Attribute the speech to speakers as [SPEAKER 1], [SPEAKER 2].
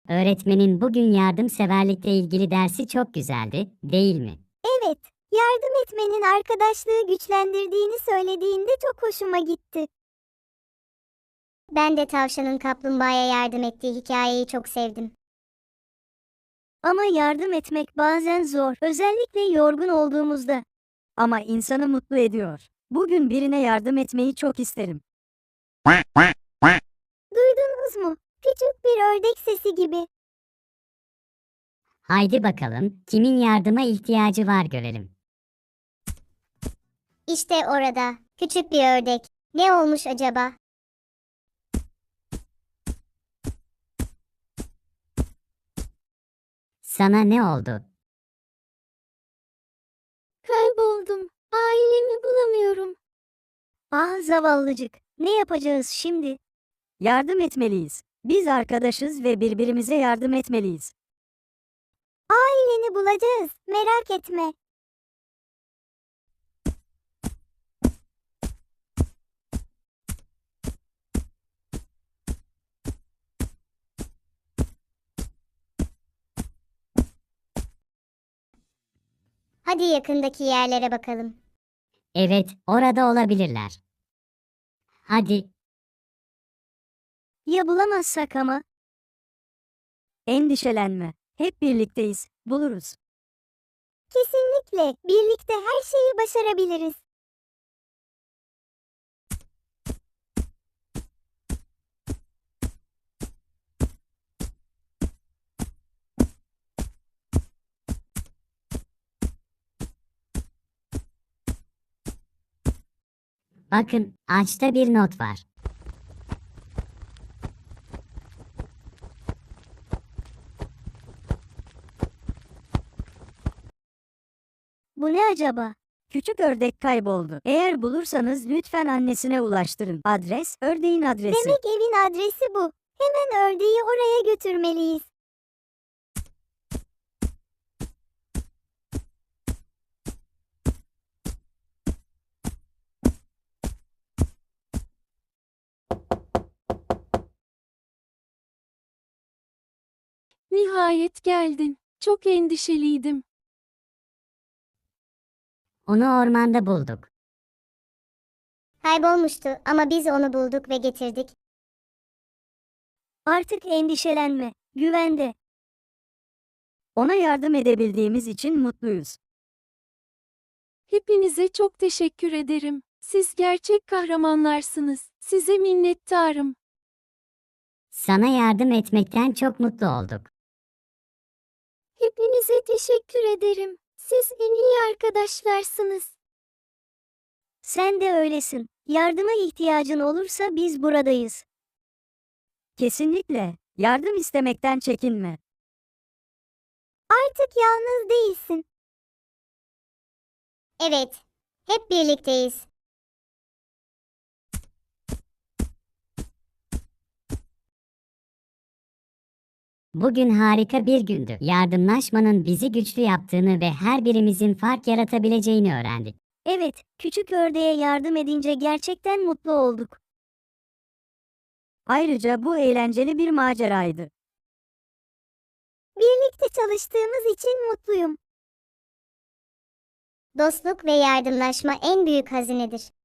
[SPEAKER 1] Öğretmenin bugün yardımseverlikle ilgili dersi çok güzeldi, değil mi?
[SPEAKER 2] Evet, yardım etmenin arkadaşlığı güçlendirdiğini söylediğinde çok hoşuma gitti.
[SPEAKER 3] Ben de tavşanın kaplumbağaya yardım ettiği hikayeyi çok sevdim.
[SPEAKER 2] Ama yardım etmek bazen zor, özellikle yorgun olduğumuzda.
[SPEAKER 4] Ama insanı mutlu ediyor. Bugün birine yardım etmeyi çok isterim.
[SPEAKER 2] Duydunuz mu? Küçük bir ördek sesi gibi.
[SPEAKER 1] Haydi bakalım, kimin yardıma ihtiyacı var görelim.
[SPEAKER 3] İşte orada, küçük bir ördek. Ne olmuş acaba?
[SPEAKER 1] Sana ne oldu?
[SPEAKER 2] Kayboldum. Ailemi bulamıyorum. Ah zavallıcık. Ne yapacağız şimdi?
[SPEAKER 4] Yardım etmeliyiz. Biz arkadaşız ve birbirimize yardım etmeliyiz.
[SPEAKER 2] Aileni bulacağız. Merak etme.
[SPEAKER 3] Hadi yakındaki yerlere bakalım.
[SPEAKER 1] Evet, orada olabilirler. Hadi,
[SPEAKER 2] Ya bulamazsak ama?
[SPEAKER 4] Endişelenme. Hep birlikteyiz. Buluruz.
[SPEAKER 2] Kesinlikle. Birlikte her şeyi başarabiliriz.
[SPEAKER 1] bakın, ağaçta bir not var.
[SPEAKER 2] Bu ne acaba?
[SPEAKER 4] Küçük ördek kayboldu. Eğer bulursanız lütfen annesine ulaştırın. Adres, ördeğin adresi.
[SPEAKER 2] Demek evin adresi bu. Hemen ördeği oraya götürmeliyiz.
[SPEAKER 5] Nihayet geldin. Çok endişeliydim.
[SPEAKER 1] Onu ormanda bulduk.
[SPEAKER 3] Kaybolmuştu ama biz onu bulduk ve getirdik.
[SPEAKER 2] Artık endişelenme. Güvende.
[SPEAKER 4] Ona yardım edebildiğimiz için mutluyuz.
[SPEAKER 5] Hepinize çok teşekkür ederim. Siz gerçek kahramanlarsınız. Size minnettarım.
[SPEAKER 1] Sana yardım etmekten çok mutlu olduk.
[SPEAKER 2] Hepinize teşekkür ederim. Siz en iyi arkadaşlarsınız. Sen de öylesin. Yardıma ihtiyacın olursa biz buradayız.
[SPEAKER 4] Kesinlikle. Yardım istemekten çekinme.
[SPEAKER 2] Artık yalnız değilsin.
[SPEAKER 3] Evet, hep birlikteyiz.
[SPEAKER 1] Bugün harika bir gündü. Yardımlaşmanın bizi güçlü yaptığını ve her birimizin fark yaratabileceğini öğrendik.
[SPEAKER 2] Evet, küçük ördeğe yardım edince gerçekten mutlu olduk.
[SPEAKER 4] Ayrıca bu eğlenceli bir maceraydı.
[SPEAKER 2] Birlikte çalıştığımız için mutluyum.
[SPEAKER 3] Dostluk ve yardımlaşma en büyük hazinedir.